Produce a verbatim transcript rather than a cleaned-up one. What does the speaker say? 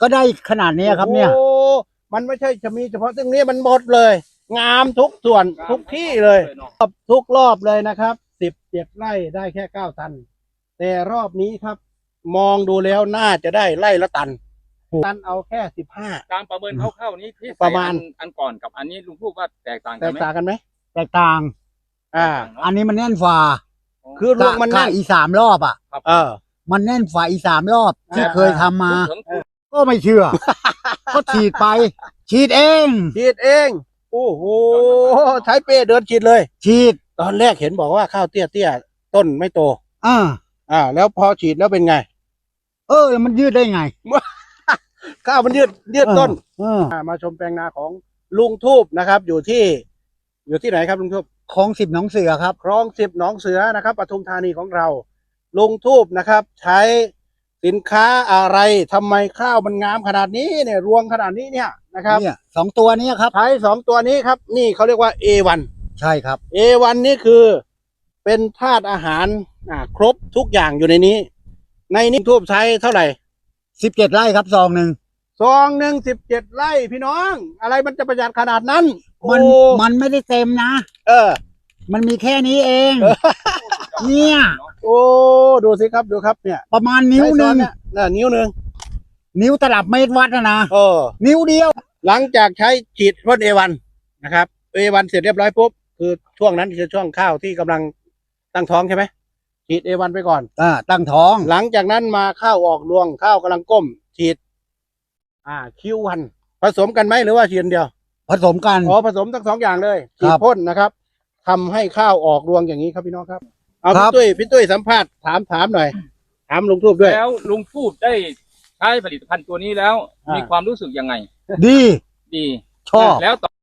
ก็ได้ขนาดนี้ครับเนี่ยโอ้มันไม่ใช่จะมีเฉพาะตรงนี้มันหมดเลย งามทุกส่วนทุกที่เลยทุกรอบเลยนะครับสิบเจ็ดไร่ได้แค่เก้าตันแต่รอบนี้ครับ มองดูแล้วน่าจะได้ไร่ละตันตันเอาแค่สิบห้าการประเมินคร่าวๆนี้ที่ประมาณอันก่อนกับอันนี้ลุงพูดว่าแตกต่างแตกันกไหมต่างกันไหมแตกต่างอ่าอันนี้มันแน่นฝ่าคือลูกมันกะแน่นอีสามรอบอ่ะครับเออมันแน่นฝ่าอีสามรอบที่อ่าเคยทำมาถึงก็ไม่เชื่อ ก็ฉีดไป ฉีดเองฉีดเองโอ้โหใช้เป้เดินฉีดเลยฉีดตอนแรกเห็นบอกว่าข้าวเตี้ยเตี้ยต้นไม่โตอ่าอ่า แล้วพอฉีดแล้วเป็นไงเออ มันยืดได้ไงข้าวมันยืดยืดต้นเอออ่ามาชมแปลงนาของลุงทูบนะครับ อยู่ที่ อยู่ที่ไหนครับลุงทูบของสิบหนองเสือครับคลองสิบหนองเสือนะครับปทุมธานีของเราลุงทูบนะครับ ใช้สินค้าอะไรทำไมข้าวมันงามขนาดนี้เนี่ยรวงขนาดนี้เนี่ยนะครับเนี่ยสองตัวนี้ครับใช้สองตัวนี้ครับ นี่เขาเรียกว่า เอ วันใช่ครับเอ วัน นี่คือเป็นธาตุอาหารอ่าครบทุกอย่างอยู่ในนี้ ในนี้ทูบใช้เท่าไหร่สิบเจ็ดไร่ครับซองหนึ่งซองหนึ่งสิบเจ็ดไร่พี่น้อง อะไรมันจะประหยัดขนาดนั้นมันโอ้มันไม่ได้เต็มนะเออมันมีแค่นี้เอง เนี่ยโอ้ดูสิครับดูครับเนี่ยประมาณนิ้วหนึ่งใช้ซ้อเนี่ยน่ะนิ้วหนึ่งนิ้วตลับเมตรวัดนะนะเออนิ้วเดียวหลังจากใช้ฉีดพ่นเอ วัน นะครับเอ วัน เสร็จเรียบร้อยปุ๊บคือช่วงนั้นคือช่วงข้าวที่กำลังตั้งท้องใช่ไหมฉีดเอ วัน ไปก่อนอ่า ตั้งท้องหลังจากนั้นมาข้าวออกรวงข้าวกำลังก้ม ฉีด อ่าคิววันผสมกันไหมหรือว่าฉีดอันเดียวผสมกันอ๋อผสมทั้งสองอย่างเลยครัฉีดบพ่นนะครับทำให้ข้าวออกรวงอย่างนี้ครับพี่น้องครับเอาครัพี่บตุ้ยพี่ตุ้ยสัมภาษณ์ถามถามหน่อย ถามลุงทูบด้วยแล้วลุงพูดได้ใช้ผลิตภัณฑ์ตัวนี้แล้วอ่ามีมีความรู้สึกยังไงดีดีชอบแล้วต่อ